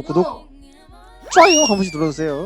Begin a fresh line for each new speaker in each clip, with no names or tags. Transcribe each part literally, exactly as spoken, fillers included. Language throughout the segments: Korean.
좋아요, 구독, 좋아요 한 번씩 눌러주세요.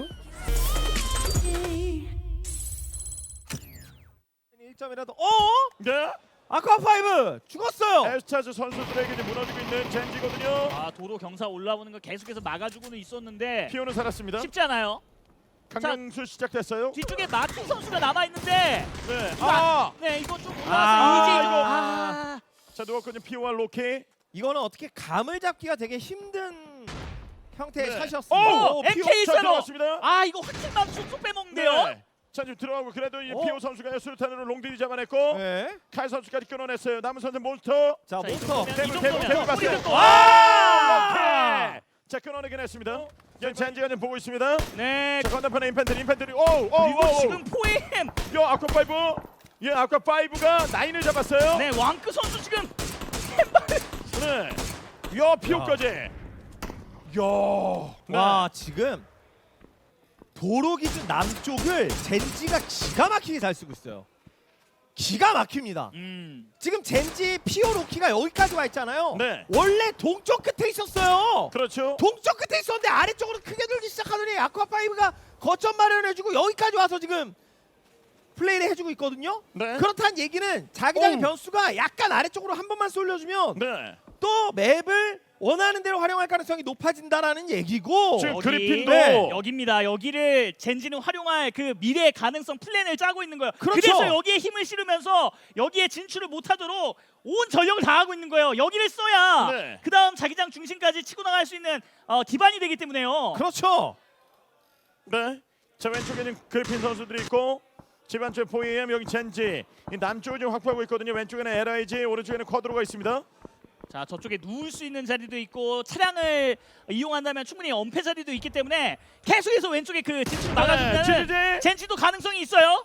일 점이라도 어?
네.
아쿠아 파이브 죽었어요.
에스타즈 선수들에게 이제 무너지고 있는 젠지거든요.
아 도로 경사 올라오는 거 계속해서 막아주고는 있었는데
피오는 살았습니다.
쉽지 않아요.
강강술 시작됐어요.
뒤쪽에 마틴 선수가 남아 있는데
네.
이거
아.
안- 네 이거 좀 올라와서
아,
이제
이거.
아,
자 누웠거든요. 피오와 로키.
이거는 어떻게 감을 잡기가 되게 힘든 형태의
네.
샷이었습니다.
오,
오,
엠케이
피오-
자
세로.
들어갔습니다.
아 이거 확실만 쏙쏙 빼먹는데요.
네. 자 지금 들어가고 그래도 이
어?
피오 선수가 수류탄으로 롱디리 잡아냈고
네.
칼 선수까지 끊어냈어요. 남은 선수 몬스터.
자,
자, 이
몬스터.
정도면-
대물
이
대물
정도면
대물 봤어요.
뿌리를 또-
아! 오케이. 자 끊어내긴 했습니다. 연 젠지가 좀 보고 있습니다.
네
자 건너편에 인펜트리 인펜트리 오오
그리고
오.
지금 포엠
요 아쿠아 파이브. 예 아쿠아 파이브가 나인을 잡았어요.
네 왕크 선수 지금
네. 야 피오까지. 야. 네.
와, 지금 도로 기준 남쪽을 젠지가 기가 막히게 잘 쓰고 있어요. 기가 막힙니다.
음
지금 젠지 피오 로키가 여기까지 와 있잖아요.
네.
원래 동쪽 끝에 있었어요.
그렇죠.
동쪽 끝에 있었는데 아래쪽으로 크게 돌기 시작하더니 아쿠아 파이브가 거점 마련해주고 여기까지 와서 지금 플레이를 해주고 있거든요.
네.
그렇다는 얘기는 자기장의
오.
변수가 약간 아래쪽으로 한 번만 쏠려주면
네.
또 맵을 원하는 대로 활용할 가능성이 높아진다라는 얘기고.
지금
여기,
그리핀도
네.
여기입니다. 여기를 젠지는 활용할 그 미래의 가능성 플랜을 짜고 있는 거예요.
그렇죠.
래서 여기에 힘을 실으면서 여기에 진출을 못하도록 온 전력을 다하고 있는 거예요. 여기를 써야
네.
그 다음 자기장 중심까지 치고 나갈 수 있는 어, 기반이 되기 때문에요.
그렇죠.
네. 자 왼쪽에는 그리핀 선수들이 있고 집안쪽에 포이엠 여기 젠지 이 남쪽을 지금 확보하고 있거든요. 왼쪽에는 엘아이지 오른쪽에는 쿼드로가 있습니다.
자 저쪽에 누울 수 있는 자리도 있고 차량을 이용한다면 충분히 엄폐 자리도 있기 때문에 계속해서 왼쪽에 그 진출을 막아준다는
지지지.
젠지도 가능성이 있어요.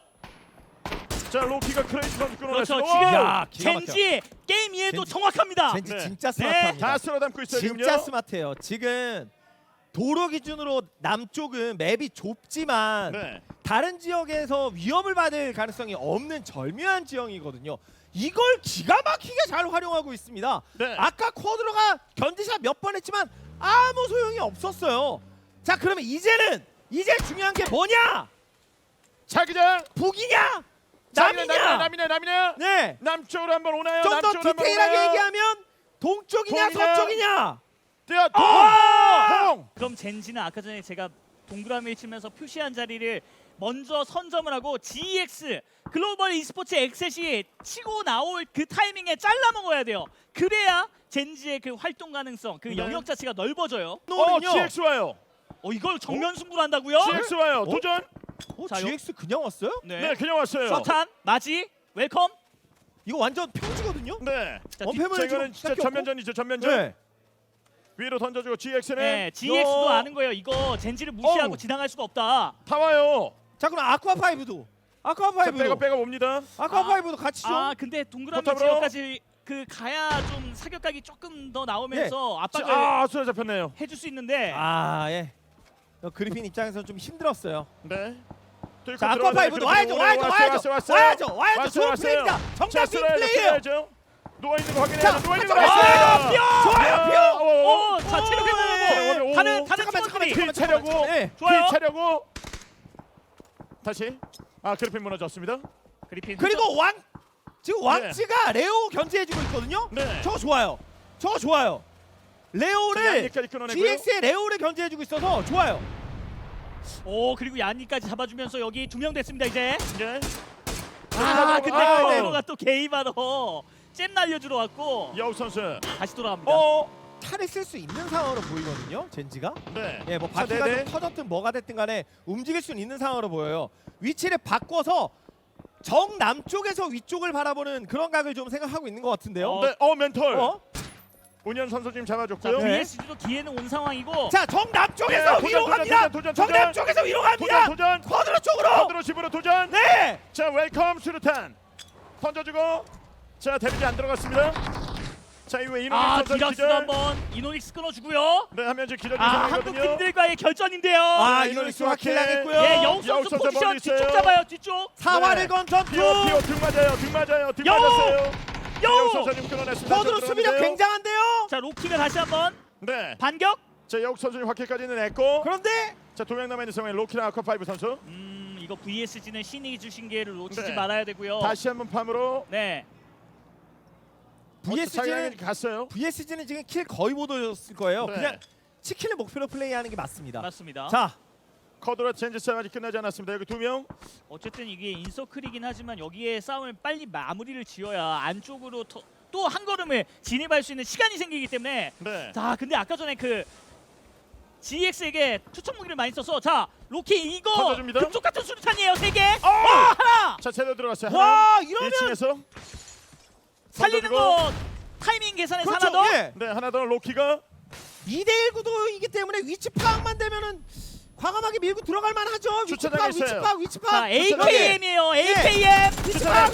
자 로키가 크레이지 선수
그렇죠.
끊어냈어요.
지금
야, 기가 막혀.
젠지의 게임 이해도
젠지-
정확합니다.
젠지
네.
진짜
네.
스마트합니다.
다 쓸어 담고 있어요.
진짜
지금요.
스마트해요. 지금 도로 기준으로 남쪽은 맵이 좁지만
네.
다른 지역에서 위협을 받을 가능성이 없는 절묘한 지형이거든요. 이걸 기가 막히게 잘 활용하고 있습니다.
네.
아까 쿼드로가 견디샷 몇 번 했지만 아무 소용이 없었어요. 자, 그러면 이제는 이제 중요한 게 뭐냐?
자기장.
북이냐?
자기장,
남이냐?
남이냐 남이냐.
네.
남쪽으로 한번 오나요?
좀 더
남쪽으로 한번
디테일하게
오나요?
얘기하면 동쪽이냐
동이냐?
서쪽이냐?
야, 동!
아!
동!
그럼 젠지는 아까 전에 제가 동그라미를 치면서 표시한 자리를 먼저 선점을 하고 지이엑스 글로벌 e스포츠 엑셋이 치고 나올 그 타이밍에 잘라 먹어야 돼요. 그래야 젠지의 그 활동 가능성, 그
네.
영역 자체가 넓어져요.
어,
노는요.
지엑스 와요.
어 이걸 정면 승부를 한다고요?
지엑스 와요.
어?
도전.
어,
자,
지엑스 그냥 왔어요?
네.
네, 그냥 왔어요.
서탄, 마지, 웰컴.
이거 완전 평지거든요?
네.
자,
어,
뒤-
폐물
자, 이거는
지금
진짜
딱 꼈고?
전면전이죠. 전면전.
네.
위로 던져주고 지엑스는
네, 지이엑스도
야.
아는 거예요. 이거 젠지를 무시하고
어우.
지나갈 수가 없다.
다 와요.
자, 그럼 아쿠아 파이브도 아쿠아
자,
파이브도
빼고 빼고 옵니다.
아쿠아
아,
파이브도 같이 좀.
아 근데 동그라미
포탑으로.
지역까지 그 가야 좀 사격각이 조금 더 나오면서
자,
압박을
아, 수라 잡혔네요.
해줄 수 있는데
아, 예. 어, 그리핀 입장에서 좀 힘들었어요.
네. 뚫고
자, 아쿠아
들어가네.
파이브도
그리고
와야죠,
오늘
와야죠,
왔어요,
와야죠,
왔어요,
와야죠,
왔어요.
와야죠.
왔어요,
좋은
왔어요.
플레이입니다.
자,
정답 빅
쓸어야죠,
플레이예요.
쓸어야죠. 누워 있는 거
자,
확인해야죠. 누워 있는 거
가져가,
확인해야죠.
아, 좋아요, 퓨.
오,
오, 자 체력
오,
회복하고
오,
다른
오.
다른
잠깐만,
팀원들이
잠깐만,
피 차려고.
네.
좋아요.
피 차려고. 다시. 아, 그래핀 무너졌습니다.
그리핀
그리고 왕 지금 왕치가 레오 견제해주고 있거든요.
네.
저거 좋아요. 저거 좋아요. 레오를
양리까지 끊어내고요.
지엑스의 레오를 견제해주고 있어서 좋아요.
오 그리고 얀니까지 잡아주면서 여기 두 명 됐습니다 이제.
네.
아 근데
아, 네.
코로가 또 게이바로 잼 날려주러 왔고
여우 선수.
다시 돌아갑니다.
어.
탈을 쓸 수 있는 상황으로 보이거든요. 젠지가.
네.
예, 뭐
자,
바퀴가
네네.
좀 터졌든 뭐가 됐든 간에 움직일 수는 있는 상황으로 보여요. 위치를 바꿔서 정 남쪽에서 위쪽을 바라보는 그런 각을 좀 생각하고 있는 것 같은데요.
어,
네. 어, 멘털.
어?
운현 선수 지금
자
잡아줬고요.
네.
비에스지도 기회는 온 상황이고.
자, 정 남쪽에서
네,
위로
도전,
갑니다.
도전, 도전,
정
도전.
남쪽에서 위로 갑니다.
도전, 도전.
쿼드로 쪽으로.
쿼드로 집으로 도전.
네.
자, 웰컴 수류탄. 던져주고. 자, 데뷔지 안 들어갔습니다. 자, 이후에 이노닉스
아
선수
디락스도
기절.
한번 이노닉스 끊어주고요.
네, 하면 이제 기절
아 한국
상황이거든요.
팀들과의 결전인데요.
아,
네,
이노닉스
이노닉스
확킬
확킬.
당했고요.
예 영우
여우
선수
선수
포지션
멀리
뒤쪽
있어요.
잡아요 뒤쪽.
사활을
네.
건 전투.
피오 피오 등 맞아요. 등 맞아요. 등
여우!
맞았어요. 여우
여우
선수 지금 끊어냈습니다.
쿼드로 수비력
들어오는데요.
굉장한데요.
자 로키가 다시 한번
네.
반격.
자 여욱 선수는 확킬까지는 냈고
그런데
자 두 명 남아 있는 상황에 로키나 아쿠아파이브 선수
음 이거 브이에스지는 신이 주신 기회를 놓치지
네.
말아야 되고요.
다시 한번 팜으로
네.
브이에스지는
갔어요.
브이에스지는 지금 킬 거의 못 얻었을 거예요.
네.
그냥 치킨을 목표로 플레이하는 게 맞습니다.
맞습니다.
자,
커드라 젠지 싸움 아직 끝나지 않았습니다. 여기 두 명.
어쨌든 이게 인서클이긴 하지만 여기에 싸움을 빨리 마무리를 지어야 안쪽으로 또 한 걸음을 진입할 수 있는 시간이 생기기 때문에
네.
자 근데 아까 전에 그 지엑스에게 투척 무기를 많이 써서 자 로키 이거
던져줍니다.
금쪽 같은 수류탄이에요 세 개. 와 하나
자 제대로 들어갔어요.
와 이러면
일 층에서
살리는 거 타이밍 계산해서
그렇죠.
하나 더.
예.
네 하나 더 로키가
이 대 일 구도이기 때문에 위치 파악만 되면은 과감하게 밀고 들어갈 만하죠. 위치
주차장에
파악, 위치
있어요.
파악, 위치
자
파악.
에이케이엠이에요. 에이케이엠.
위치
주차장.
파악.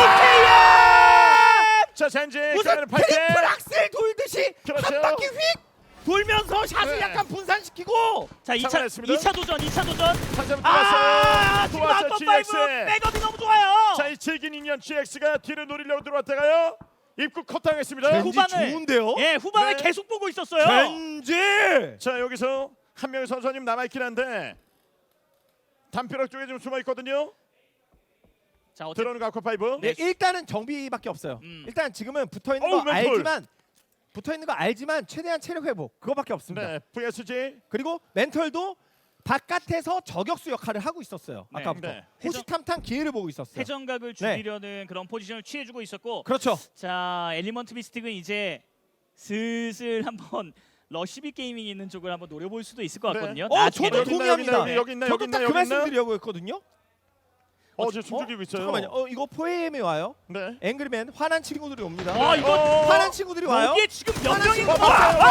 아
자 젠지
무슨
가면은 팔 대.
트리플 악셀 돌듯이
그렇죠.
한 바퀴 휙 돌면서 샷을
네.
약간 분산시키고
자 이 차
상관했습니다.
이 차 도전 이 차 도전.
한 점
아
들어갔어요.
지금
들어왔어요.
아까 파이브
지엑스.
백업이 너무 좋아요.
자 이 질긴 인연 지엑스가 뒤를 노리려고 들어왔다가요. 입구 컷당했습니다.
젠지
후반을-
좋은데요.
예 후반을
네.
계속 보고 있었어요.
젠지.
자 여기서 한 명의 선수님 남아 있긴 한데 담벼락 쪽에 좀 숨어 있거든요.
자 어쨌든
들어오는 거 아쿠아파이브.
네, 일단은 정비밖에 없어요.
음.
일단 지금은 붙어 있는
어우,
거
멘톨.
알지만 붙어 있는 거 알지만 최대한 체력 회복 그거밖에 없습니다.
네 브이에스지.
그리고 멘털도 바깥에서 저격수 역할을 하고 있었어요.
네.
아까부터
네.
호시탐탐 기회를 보고 있었어요.
회전각을 줄이려는 그런 포지션을 취해주고 있었고
그렇죠.
자 엘리먼트 미스틱은 이제 슬슬 한번 러시비 게이밍 있는 쪽을 한번 노려볼 수도 있을 것
네.
같거든요.
어,
나중에는.
저도
여기 있나,
동의합니다.
여기 있나, 여기 있나,
저도
여기 있나,
딱 그
여기 있나?
말씀드리려고 했거든요.
어 지금 숨죽이고 있어요.
잠깐만요. 어 이거 포에임이 와요.
네.
앵그리맨 화난 친구들이 옵니다.
와 이거
어,
화난 친구들이 와요.
여기에 지금 몇
하나씩
명인
먹어요.
거야?
와!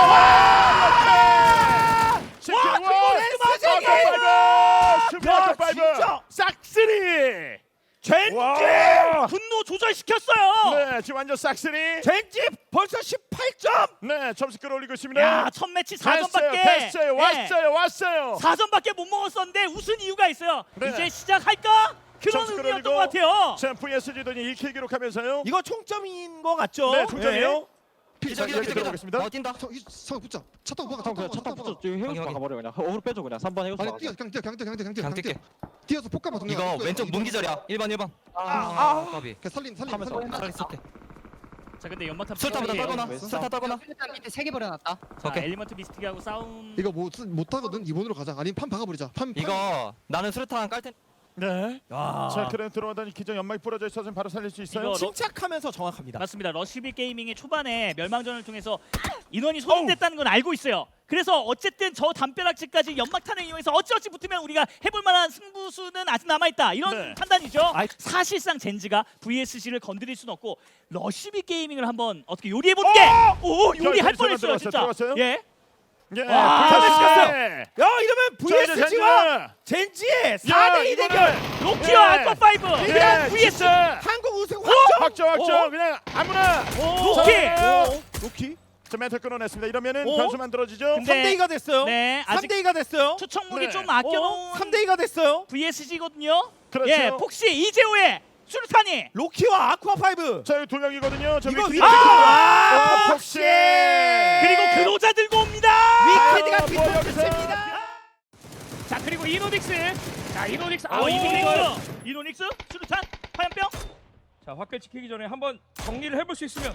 와, 그리고 렌스쟁이!
아쿠아파이브! 수비
야,
아쿠아파이브!
진짜!
싹쓸이!
젠지!
와!
분노 조절시켰어요.
네, 지금 완전 싹쓸이.
젠지 벌써 십팔 점.
네, 점수 끌어올리고 있습니다.
야 첫 매치 사
됐어요,
전밖에
됐어요, 왔어요, 왔어요.
사 전밖에 못 먹었었는데 웃은 이유가 있어요.
네.
이제 시작할까? 그런
점수
의미였던
끌어올리고.
것 같아요.
자, 브이에스지더니 일 킬 기록하면서요.
이거 총점인 거 같죠?
네, 총점이요.
기자
자,
기자
여기
기자
들어보겠습니다.
어 뛴다.
서, 이, 서 붙자. 차 타고 박아.
형 그냥 차 타고 붙여 지금 해우서
확인,
박아버려 그냥 어그로 빼줘 그냥 삼 번 해우서
아니
박아
뛰어 그냥 뛰어 그냥 뛰어 그냥 뛰어
그냥
그냥
뛸게.
뛰어. 뛰어서 폭가봐 동네.
이거 왼쪽 문기절이야. 일 번 일 번.
아,
까비.
그냥 살림 살림
하면서
살림.
빨리 쏠게.
자 근데 연막탑
술타보다
싸움이에요.
떨거나.
왼쪽.
술타 떨거나.
일단 밑에 세 개 버려놨다.
자,
오케이.
엘리먼트 미스틱하고 싸움.
이거 못 못 하거든. 이번으로 가자. 아니면 판 박아버리자. 판. 판.
이거 나는 수류탄 깔 텐.
네.
야.
자, 그럼 들어오더니 기존 연막이 부러져 있어서 바로 살릴 수 있어요.
이거 러-
침착하면서 정확합니다.
맞습니다. 러시비 게이밍의 초반에 멸망전을 통해서 인원이 소진됐다는 건 알고 있어요. 그래서 어쨌든 저 담벼락지까지 연막탄을 이용해서 어찌어찌 붙으면 우리가 해볼 만한 승부수는 아직 남아있다. 이런
네.
판단이죠.
아이.
사실상 젠지가 브이에스지를 건드릴 수는 없고 러시비 게이밍을 한번 어떻게 요리해보는 게 오! 요리할
자,
뻔했어요
들어갔어요,
진짜.
들어갔어요?
예.
예.
와,
브이에스지.
야 이러면
자, 이제
브이에스지와 젠지의 사 대 이
이거는-
대결.
로키와
예.
아쿠아파이브
예,
브이에스
진짜.
한국 우승
확정,
확정.
확정.
어?
그냥 아무나.
로키.
자,
로키.
자, 멘트 끊어냈습니다. 이러면은
어?
변수 만들어지죠.
근데-
삼 대 이가 됐어요.
네, 아직
삼 대 이가 됐어요.
투척 무기
네.
좀
어?
아껴놓은
삼 대 이가 됐어요.
브이에스지거든요.
그렇죠.
예, 폭시 이재호의 수류탄이
로키와 아쿠아파이브.
자, 여기 두 명이거든요. 저
이거
위키.
위키.
아!
아,
폭시.
그리고 그로자 들고 옵니다.
위키드가
아, 뭐 여기서.
뒷선입니다.
자 그리고 이노닉스 자 이노닉스
아,
아 이노닉스
이노닉스. 이노닉스 수류탄 화염병.
자 화끈 지키기 전에 한번 정리를 해볼 수 있으면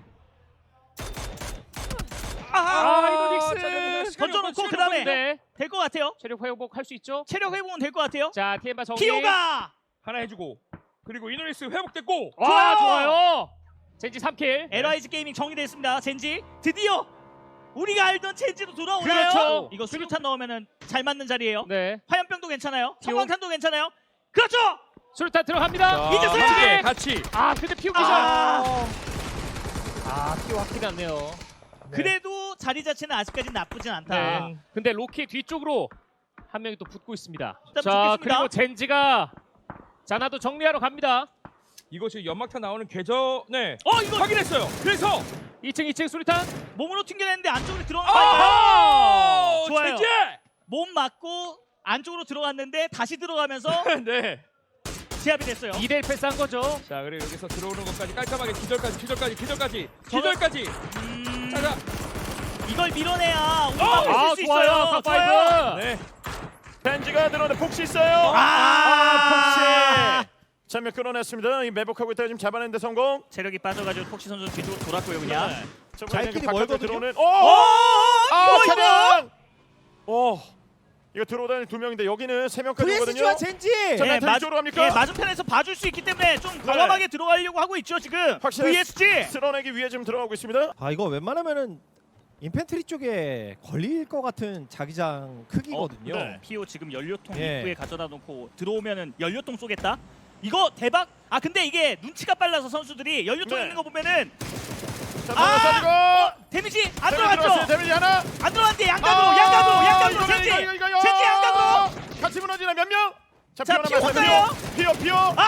아 이노닉스
던져놓고 그다음에 될 것 같아요.
체력 회복 할 수 있죠.
체력 회복은 될 것 같아요.
자 티엠바 정리
피오가
하나 해주고 그리고 이노닉스 회복됐고
좋아요.
와 좋아요 젠지 삼 킬
엘아이지 게이밍 정리됐습니다. 젠지 드디어 우리가 알던 젠지도 돌아오나요?
그렇죠.
이거 수류탄 넣으면은 잘 맞는 자리예요.
네
화염병도 괜찮아요.
피오.
성광탄도 괜찮아요. 그렇죠.
수류탄 들어갑니다
이제
네.
솔직히
같이 아 근데 피오 기절
아,
아 피오 확실히 않네요
그래도 자리 자체는 아직까지는 나쁘진 않다.
네 근데 로키 뒤쪽으로 한 명이 또 붙고 있습니다
일단
자
붙겠습니다.
그리고 젠지가 자나도 정리하러 갑니다 이거 지금 연막탄 나오는 궤전에
어 이거
확인했어요 그래서 이 층 이 층 수류탄
몸으로 튕겨냈는데 안쪽으로 들어간
아!
거 좋아요.
젠지!
몸 맞고 안쪽으로 들어갔는데 다시 들어가면서
네.
제압이 됐어요.
이 대 일 패스한 거죠. 자, 그리고 여기서 들어오는 것까지 깔끔하게 기절까지, 기절까지, 기절까지, 기절까지.
음...
자자.
이걸 밀어내야 우리
아,
막을 수
좋아요.
있어요.
탑파이브.
네. 벤지가 들어오는데 폭시 있어요.
아!
아, 폭시. 전면 끊어냈습니다. 이 매복하고 있다가 지금 잡아내는데 성공.
체력이 빠져가지고 폭시 선수 뒤쪽으로 돌았고요 그냥.
네. 자,
자기끼리
바깥에
멀거든요?
들어오는.
어!
오! 아,
뭐 이거?
차량. 오. 이거 들어오다니 두 명인데 여기는 세 명까지
브이에스지와
오거든요.
젠지.
자,
예,
멘탈
맞-
이쪽으로 갑니까?
예, 맞은편에서 봐줄 수 있기 때문에 좀 과감하게 들어가려고 하고 있죠 지금.
확실히
브이에스지.
쓸어내기 위해 지금 들어가고 있습니다.
아 이거 웬만하면은 인펜트리 쪽에 걸릴 것 같은 자기장 크기거든요.
어, 네.
피오 지금 연료통
예.
입구에 가져다 놓고 들어오면은 연료통 쏘겠다. 이거 대박. 아 근데 이게 눈치가 빨라서 선수들이 연료통
네.
있는 거 보면은
자,
아!
들어가서
데미지 안
들어갔죠.
들어갔죠.
데미지 하나.
안 들어갔는데 양각으로 양각으로 양각으로 젠지. 젠지 양각으로.
같이 무너지나 몇 명? 자,
자,
피오
피오
남았어요.
혼자요?
피오 피오.
아!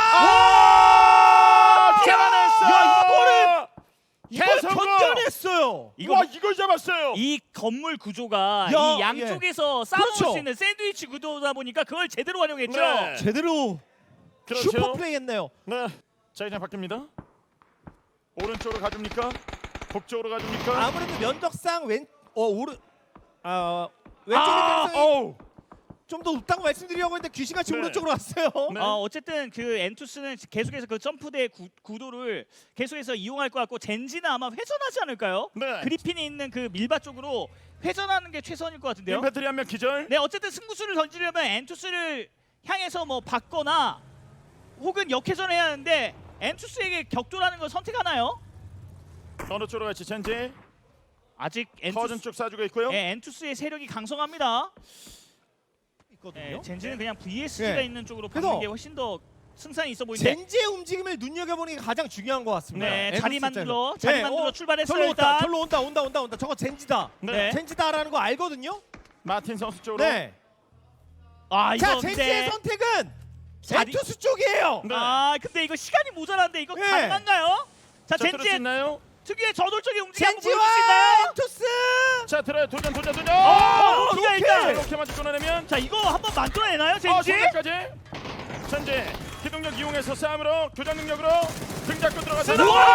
아! 잡아냈어.
야, 이거를 이걸
개성공!
견뎌냈어요.
이거
와, 이걸 잡았어요.
이 건물 구조가
야,
이 양쪽에서 싸워볼
그렇죠.
수 있는 샌드위치 구도다 보니까 그걸 제대로 활용했죠.
네.
제대로
그렇죠.
슈퍼 플레이했네요.
네. 자, 이제 바뀝니다. 오른쪽으로 가줍니까? 북쪽으로 가줍니까?
아무래도 면적상 왼 어 오른 아 왼쪽의
아,
가능성이
어우.
좀 더 높다고 말씀드리려고 했는데 귀신같이
네.
오른쪽으로 왔어요.
네.
어, 어쨌든 그 엔투스는 계속해서 그 점프대 구, 구도를 계속해서 이용할 것 같고 젠지는 아마 회전하지 않을까요?
네.
그리핀이 있는 그 밀바 쪽으로 회전하는 게 최선일 것 같은데요.
임팩트리 한 명 기절.
네, 어쨌든 승부수를 던지려면 엔투스를 향해서 뭐 받거나 혹은 역회전을 해야 하는데 엔투스에게 격돌하는 걸 선택하나요?
어느 쪽으로 갈지 젠지.
아직
커즌
엔투스,
쪽 쏴주고 있고요.
예, 엔투스의 세력이 강성합니다.
있거든요.
예, 젠지는 그냥 브이에스지가
네.
있는 쪽으로
그래서
받는 게 훨씬 더 승산이 있어 보이는데.
젠지의 움직임을 눈여겨보는 게 가장 중요한 것 같습니다.
네,
엔투스
자리
입장에서.
만들어, 자리
네,
만들어
어,
출발했어요
절로 온다,
일단.
절로 온다, 온다, 온다, 온다. 저거 젠지다.
네.
젠지다라는 거 알거든요.
마틴 선수 쪽으로.
네.
아 이거
자,
근데
젠지의 선택은
자리-
엔투스 쪽이에요.
네.
아 근데 이거 시간이 모자란데 이거
네.
가능한가요? 자
자, 들을 수
젠지의
있나요?
특유의 저돌적인 움직임 한번 보여줄 수
젠지와
있나요?
엔투스.
자, 들어요. 도전, 도전, 도전.
어,
어,
기자
오케이.
일단.
이렇게만 끊어내면.
자 이거 한번 만들어내나요
어,
젠지?
손까지. 젠지 기동력 이용해서 싸움으로 교전 능력으로 등 잡고 들어가서.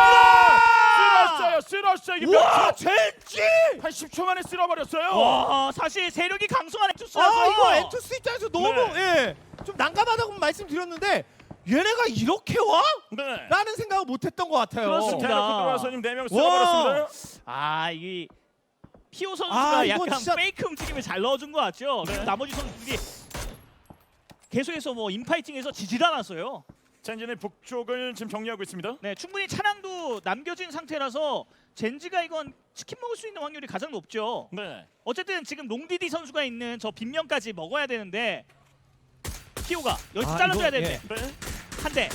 쓸었어요, 쓸었어요. 이게 몇
와,
초?
젠지.
한 십 초 만에 쓸어버렸어요.
와 사실 세력이 강성한 엔투스라서
아, 이거 엔투스 입장에서 너무
네.
예, 좀 난감하다고 말씀드렸는데 얘네가 이렇게 와?
네.
라는 생각을 못했던 것 같아요.
그렇습니다.
대놓고 들어와서 지금 네 명 쓸어버렸습니다.
아이 피오 선수가
아, 이거
약간
진짜-
페이크 움직임을 잘 넣어준 것 같죠?
네.
그리고 나머지 선수들이 계속해서 뭐 인파이팅에서 지질 않았어요.
젠지는 북쪽을 지금 정리하고 있습니다.
네, 충분히 차량도 남겨진 상태라서 젠지가 이건 치킨 먹을 수 있는 확률이 가장 높죠.
네.
어쨌든 지금 롱디디 선수가 있는 저 빗면까지 먹어야 되는데 피오가 여기서
아,
잘라줘야
이거,
되는데
네.
한 대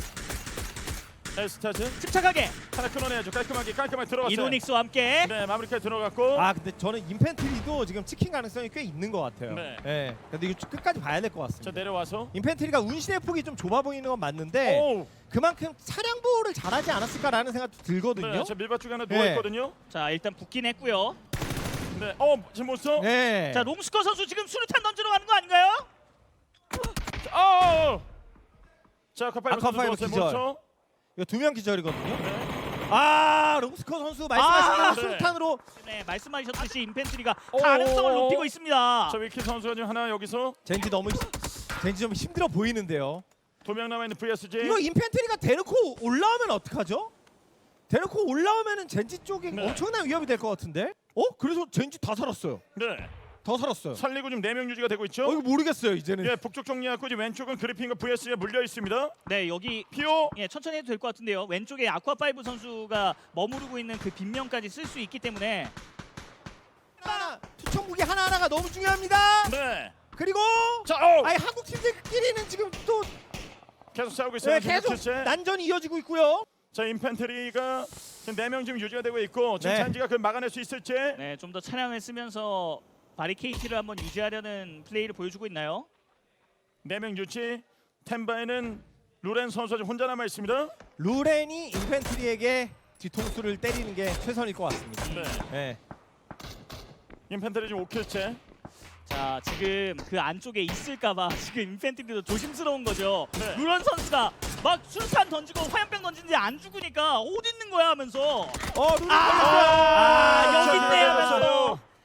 에스타즈
침착하게
하나 끊어내야죠. 깔끔하게 깔끔하게 들어갔어요.
이노닉스와 함께
네, 마무리까지 들어갔고.
아, 근데 저는 인펜트리도 지금 치킨 가능성이 꽤 있는 것 같아요.
네.
예. 근데 이거 끝까지 봐야 될 것
자,
같습니다.
내려와서.
인펜트리가 운신의 폭이 좀 좁아 보이는 건 맞는데
오.
그만큼 차량 보호를 잘하지 않았을까라는 생각도 들거든요.
네, 저 밀밭 쪽에 하나
네.
누워 있거든요.
자 일단 붙긴 했고요.
네. 어, 지금 못 써?
네.
자 롱스커 선수 지금 수류탄 던지러 가는 거 아닌가요?
자, 어. 어. 자, 카파이브
아,
선수
카파이브
누웠어요.
기절.
못 써?
이거 두 명 기절이거든요.
네.
아, 롱스커 선수 말씀하신
아,
대로 수류탄으로
네 말씀하셨듯이 인펜트리가
오.
가능성을 높이고 있습니다.
자, 위키 선수가 지금 하나 여기서
젠지 너무 젠지 좀 힘들어 보이는데요.
두 명 남아 있는 브이에스지.
이거 인펜트리가 대놓고 올라오면 어떡하죠? 대놓고 올라오면은 젠지 쪽에
네.
엄청난 위협이 될 것 같은데? 어? 그래서 젠지 다 살았어요.
네.
더 살았어요.
살리고 지금 네 명 유지가 되고 있죠.
어, 이거 모르겠어요 이제는.
예, 북쪽 정리하고 이제 왼쪽은 그리핀과 브이에스지가 물려 있습니다.
네 여기
피오.
예, 천천히 해도 될 것 같은데요. 왼쪽에 아쿠아파이브 선수가 머무르고 있는 그 빗면까지 쓸 수 있기 때문에
하나, 투척 무기 하나 하나가 너무 중요합니다.
네.
그리고
자, 어.
아니 한국 팀들끼리는 지금 또
계속 싸우고 있어요.
네, 계속
실제.
난전이 이어지고 있고요.
자, 인펜트리가 지금 네 명 지금 유지가 되고 있고 지금
네.
젠지가 그걸 막아낼 수 있을지.
네, 좀 더 차량을 쓰면서 바리케이트를 한번 유지하려는 플레이를 보여주고 있나요?
네 명 유지. 템바에는 루렌 선수가 지금 혼자 남아 있습니다.
루렌이 인펜트리에게 뒤통수를 때리는 게 최선일 것 같습니다.
네.
네.
인펜트리 지금 오 킬째.
자, 지금 그 안쪽에 있을까봐 지금 인펜트리도 조심스러운 거죠.
네.
루런 선수가 막 수류탄 던지고 화염병 던지는데 안 죽으니까 어디 있는 거야 하면서
어, 루렌
아,
걸렸어요.
여기 있네
아,
하면서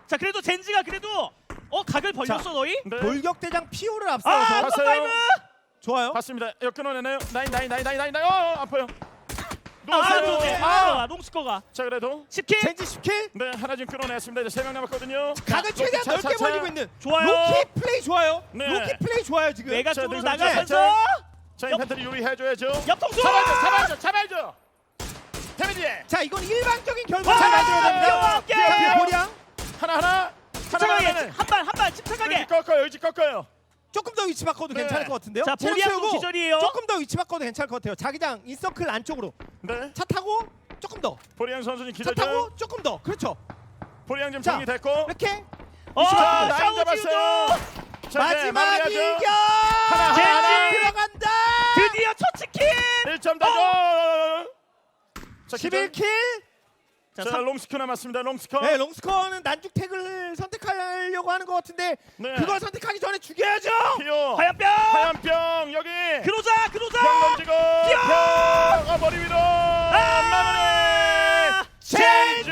자 그래도 젠지가 그래도 어 각을 벌렸어 너희?
네.
돌격대장 피오를
아
앞서서
봤어요.
파이브!
좋아요.
봤습니다. 이거 끊어내나요? 나인 나인 나인 나인 나인 나인. 어 아파요.
아
누웠어요.
좋네.
아.
아 롱스커가
자 그래도
십 킬.
젠지 십 킬.
네 하나 지금 끊어냈습니다. 이제 세 명 남았거든요.
각을 최대한
자,
넓게
자, 자.
벌리고 있는
좋아요.
로키 플레이 좋아요.
네.
로키 플레이 좋아요 지금.
외곽
자,
쪽으로
능선
나가면서
자, 자 인펜트리 요리해줘야죠.
옆통수.
잡아줘 잡아줘 잡아줘. 데미지
자 이건 일반적인 결과
와,
잘 만들어냅니다.
오케이.
자, 보량
하나 하나 하나
침착하게
하나는
한발 한 발 침착하게.
의지 꺾어요 의지 꺾어요.
조금 더 위치 바꿔도
네.
괜찮을 것 같은데요.
자
체력
보리앙도
채우고
기절이에요.
조금 더 위치 바꿔도 괜찮을 것 같아요. 자기장 인서클 안쪽으로
네
차 타고 조금 더.
보리앙 선수님
차
기다려.
타고 조금 더. 그렇죠.
보리앙 지금
자,
정리됐고.
이렇게
어
자 라인
싸우
잡았어요.
지우도
자, 이제
마지막
마무리하죠.
이겨.
하나, 하나,
하나.
들어간다.
드디어 첫 치킨.
일 점 다죠. 자
십일 킬.
자
자
삼-
롱스커 남았습니다. 롱스커.
네, 롱스커는 난죽 태그를 선택하려고 하는 것 같은데
네.
그걸 선택하기 전에 죽여야죠.
피오.
하얀병.
하얀병 여기.
그로자 그로자.
병 던지고. 병. 아 머리 위로. 마무리.
젠지!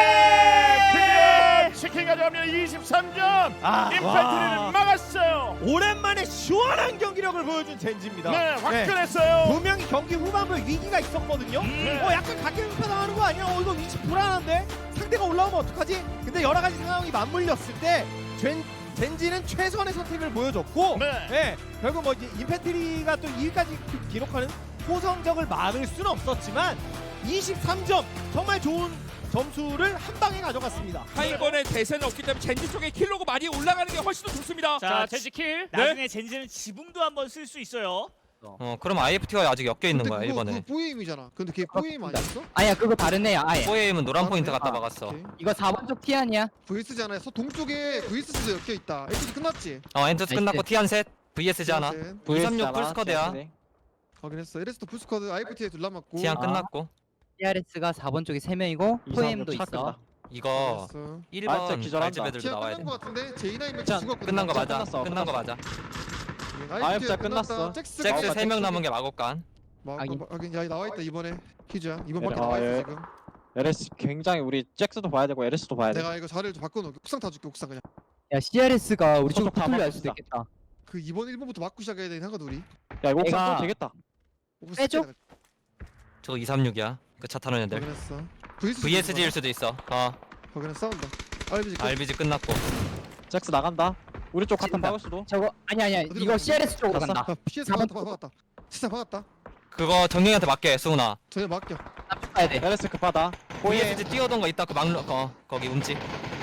드디어 치킨 가져가면 이십삼 점.
아,
임팩트를
와.
막았어요.
오랜만에 시원한 경기력을 보여준 젠지입니다.
네, 화끈했어요.
분명히 경기 후반부에 위기가 있었거든요.
네.
어 약간 각계급파 당하는 거 아니야? 어 이거 위치 불안한데 상대가 올라오면 어떡하지? 근데 여러 가지 상황이 맞물렸을 때 젠, 젠지는 최선의 선택을 보여줬고,
네.
네, 결국 뭐 이제 인펜트리가 또 이 위까지 기록하는 호성적을 막을 수는 없었지만 이십삼 점 정말 좋은 점수를 한 방에 가져갔습니다.
하이번에 대세는 없기 때문에 젠지 쪽에 킬로가 많이 올라가는 게 훨씬 더 좋습니다.
자 젠지 킬.
네.
나중에 젠지는 지붕도 한번 쓸 수 있어요.
어 그럼 아이에프티가 아직 엮여 있는 거야
그거
일본에.
그거 포에임이잖아. 근데 걔 포에임 아니었어?
아니야 그거 다른 애야 아예.
포에임은 노란
아,
포인트
그래?
갖다
아,
박았어.
오케이.
이거 사 번 쪽 티 아니야?
브이에스잖아요. 서 동쪽에 브이에스도 엮여 있다. 에피소드 끝났지?
어 엔트스 끝났고
나이스.
티안 셋 브이에스지 하나.
셋.
이삼육 풀스쿼드야.
확인했어. 에레스도 풀스쿼드 아이프티에 둘 남았고.
티안
아.
끝났고.
티알에스가 사 번 쪽에 세 명이고 포엠도 있어.
이거
확인했어.
일
아,
번
진짜 기절한다.
알집 애들도
티아
나와야
끝난
돼.
거 같은데 제이나인 매치
짠.
죽었거든.
끝난 거 맞아.
끝났어,
끝난 거
끝났어.
맞아.
아이프티아 끝났어.
잭스
잭스
아,
세 명
잭스.
남은 게 마곡간.
확인. 확인. 야 나와 있다 이번에 퀴즈야. 이번
네,
밖에
아,
나와 있어
예.
지금.
엘에스 굉장히 우리 잭스도 봐야 되고 엘에스도 봐야 돼.
내가 이거 자리를 좀 바꿔놓을게. 옥상 타줄게 옥상 그냥.
야 씨알에스가 우리 쪽으로
저쪽 다
붙을려 할 수도
막읍시다.
있겠다.
그 이번 일 번부터 맞고 시작해야 되긴 하거든 우리.
야 이거 옥상
내가-
써도 되겠다.
옥상
빼줘?
스킬에다가
저거 이삼육이야. 그 차 타는 애들.
확인했어. 브이에스
브이에스지일 수도 있어. 어
확인했어. 싸운다. 알비지 끝.
알비지 끝났고.
잭스 나간다. 우리 쪽 같은
친다.
박을 수도.
저거 아니 아니야
어디로
이거
가냐?
씨알에스 쪽으로
갔어?
간다.
아, 피에스
사 번
박았다 박았다. 진짜 박았다.
그거 정경이한테 맡겨 수훈아.
전혀 맡겨.
납축 가야 돼.
엘에스 급하다.
브이에스지 뛰어던 거 있다 그 막루 어 거기 움직.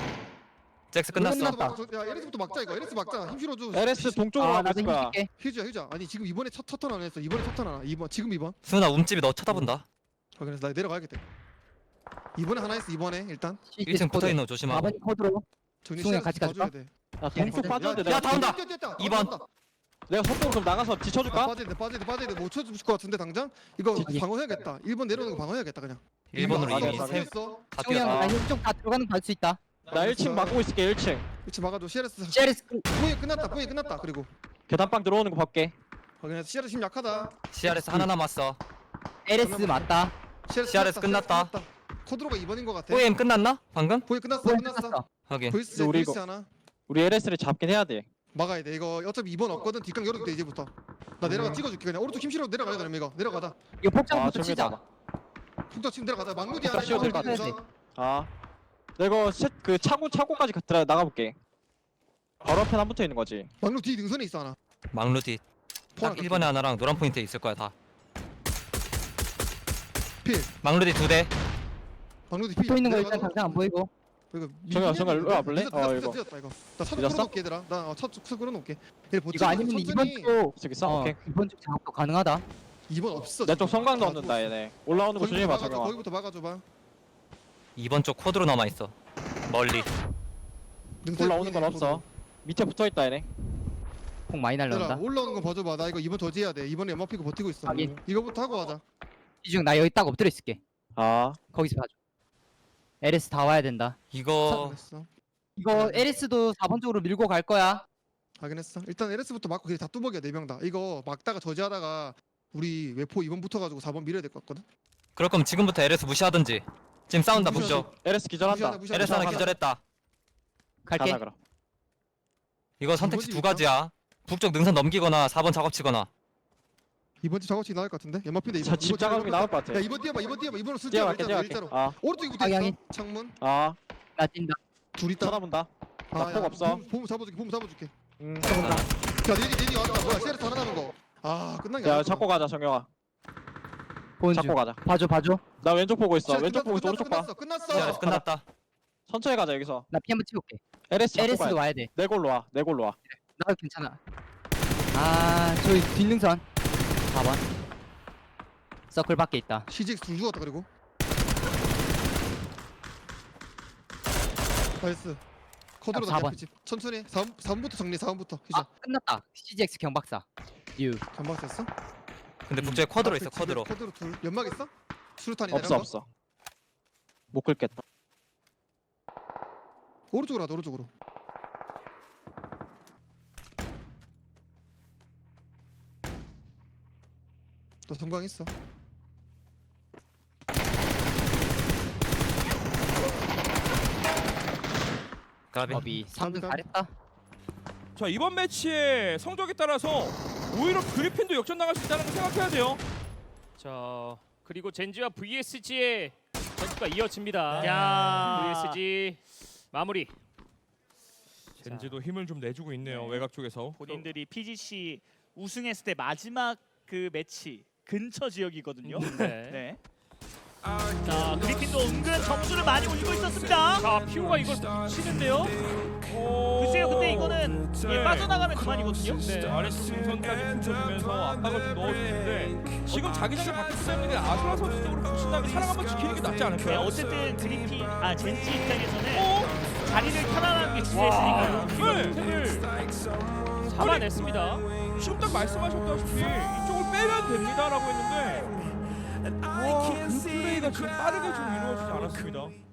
잭스 끝났어.
에레스부터 막자. 야 에레스부터 막자 이거. 에레스 막자. 힘 실어줘.
엘에스 동쪽으로
아
가고
나도
있을 거야.
힘줄게.
휴지야 휴지야. 아니 지금 이번에 첫 첫턴 안 했어. 이번에 첫턴 하나. 이번 지금 이번.
수훈아 움집이 너 쳐다본다.
확인했어. 나 내려가야겠다. 이번에 하나 했어. 이번에 일단
일 층 붙어 있는 거
사
조심하고.
번 코드로.
정리
승우야,
시작해서
같이
봐줘야
가줄까?
돼.
야 동쪽
야,
빠졌는데
야,
내가
다 온다.
뛰어, 뛰어, 뛰어.
이 번.
다 온다.
내가 속도로 좀 나가서
아,
뒤쳐줄까?
빠져야 돼. 빠져야 돼. 빠져야 돼. 못 쳐줄 것 같은데 당장. 이거
뒤-
방어해야겠다. 일 번 내려오는 거 방어해야겠다 그냥.
일본으로
맞아,
이미
맞아.
세,
어
다
형이
뛰었다.
나 힐쪽 다 들어가는 거 갈 수 있다.
나 일 층 막고 있을게 일 층.
그렇지 막아줘. 씨알에스.
씨알에스
포에 끝났다. 포에 끝났다. 그리고
계단방 들어오는 거 볼게.
확인했어. 씨알에스 힘 약하다.
씨알에스 하나 남았어.
엘에스 맞다.
끝났다.
씨알에스 끝났다.
코드로가 이 번인 것 같아.
포에임 끝났나? 방금?
포에 끝났어.
포엠
끝났어.
끝났어.
확인.
보이스
근데 우리
보이스
이거-
하나.
우리 엘에스를 잡긴 해야 돼.
막아야 돼. 이거 어차피 이 번 없거든. 뒷강 열어도 돼 이제부터. 나 내려가
음.
찍어줄게 그냥. 오른쪽 힘 실어 내려가야 돼 이거. 내려가다.
이거
아
폭장부터
저기
치자.
봐봐.
북자 지금 내려가자. 막루디
북자
하나.
씌워도
이거
될것
보자.
같아.
아. 내가 셋, 그 차고 차고까지 가- 들어 나가 볼게. 바로 앞에 안 붙어 있는 거지.
막루 뒤 능선에 있어 하나.
막루디.
포 하나
딱 일 번에 하나랑 노란 포인트 있을 거야 다.
필.
막루디 두 대.
막루디 필.
붙어 있는 거 일단
내려가서.
당장 안 보이고.
이거
정현아, 정현아, 일로 와볼래?
늦었다,
어,
늦었다,
이거.
늦었다, 이거. 나차
늦었어?
끌어놓을게 얘들아. 나차차 끌어놓을게. 얘
이거 아니면 이번 쪽
저기 있어?
어,
오케이.
이번 쪽 작업도 가능하다.
이번 없어.
내 쪽
지금.
성광
다
넣는다
죽었어.
얘네. 올라오는 거
거기부터
조심해봐
막아줘,
정영아.
거기부터 막아줘봐.
이번 쪽 코드로 남아 있어. 멀리.
능선
올라오는 건
보이네,
없어. 밑에 붙어 있다 얘네.
폭 많이
얘들아
날라온다.
올라오는 거 봐줘봐. 나 이거 이번 저지해야 돼. 이번에 연막 피고 버티고 있어.
확인.
이거부터 하고 하자.
이중 나 여기 딱 엎드려 있을게.
아.
거기서 봐줘. 엘에스 다 와야 된다.
이거
확인했어.
이거 엘에스도 사 번 쪽으로 밀고 갈 거야.
확인했어. 일단 엘에스부터 막고 그게 다 뚜벅이야 네 명 다. 이거 막다가 저지하다가 우리 외포 이번 붙어가지고 사 번 밀어야 될 것 같거든.
그럴 거면 지금부터 엘에스 무시하든지. 지금 싸운다
무시하지.
북쪽.
엘에스 기절한다.
무시하네, 무시하네.
엘에스 하나
가자.
기절했다.
갈게.
가자 그럼.
이거 선택지
이번이
두 가지야. 북쪽 능선 넘기거나 사 번 작업치거나.
이번 집 작업치 나올 것 같은데. 연막핀데 이번.
집 작업이 나올 것 같아.
야 이번 뛰어봐. 이번 뛰어봐. 이번으로 쓸
뛰어갈게
일자로
뛰어갈게.
일자로.
아,
오른쪽에
방향이.
붙어있어. 창문.
아,
나 뛴다.
둘 있다.
쳐다본다. 나
야,
폭 없어.
봄, 봄 잡아줄게. 봄 잡아줄게.
음,
야 내니 내니 왔다. 뭐야 세레스 하나 남은 거. 아 끝난 게
야
아니야.
잡고 가자 정영아.
보는
잡고
중.
가자.
봐줘 봐줘.
나 왼쪽 보고 있어.
시작,
왼쪽
끝났어,
보고 있어. 오른쪽 봐.
끝났어. 끝났어.
시작해서
끝났어.
끝났다.
천천히 가자 여기서.
나 피 한번 채울게.
엘에스 잡고
에레스도
가야
와야 돼.
내 골로 와. 내 골로 와.
나 괜찮아. 아 저기 뒷능선. 사 번. 서클 밖에 있다.
씨지엑스 둘 죽었다 그리고. 나이스. 코드로
사 번.
다 집. 천천히. 사 번, 사 번부터 정리. 사 번부터.
아
희자.
끝났다. 씨지엑스 경박사. 유.
전방 됐어?
근데 북쪽에 쿼드로 있어.
앞에 집에
쿼드로.
쿼드로 둘. 연막 있어? 수류탄이
없어 없어. 못 긁겠다.
오른쪽으로 하자. 오른쪽으로. 너 성광 있어.
가비.
법이 삼 등
감사합니다.
잘했다.
자 이번 매치의 성적에 따라서 오히려 그리핀도 역전당할 수 있다는 걸 생각해야 돼요.
자 그리고 젠지와 브이에스지의 전투가 이어집니다.
야.
브이에스지 마무리.
젠지도 힘을 좀 내주고 있네요.
네.
외곽 쪽에서.
본인들이 피지씨 우승했을 때 마지막 그 매치 근처 지역이거든요.
네.
네. 자 그리핀도 은근 점수를 많이 올리고 있었습니다.
자 피오가 이걸 치는데요.
오.
글쎄요, 근데 이거는 예,
네.
빠져나가면 그만이거든요.
네, 아래쪽 동선까지 붙여주면서 압박을 좀 넣어주는데 지금 자기장을 바뀌기 때문에 아수라 선수 쪽으로 부신하게 사랑 한번 지키는 게 낫지
네,
않을까요?
어쨌든 그리핀 아 젠지 입장에서는
어?
자리를 편안하게 지냈으니까요.
네.
잡아냈습니다.
지금 딱 말씀하셨다시피 이쪽을 빼면 됩니다라고 했는데 와, 그 플레이가 지금 빠르게 좀 이루어지지 않았습니다.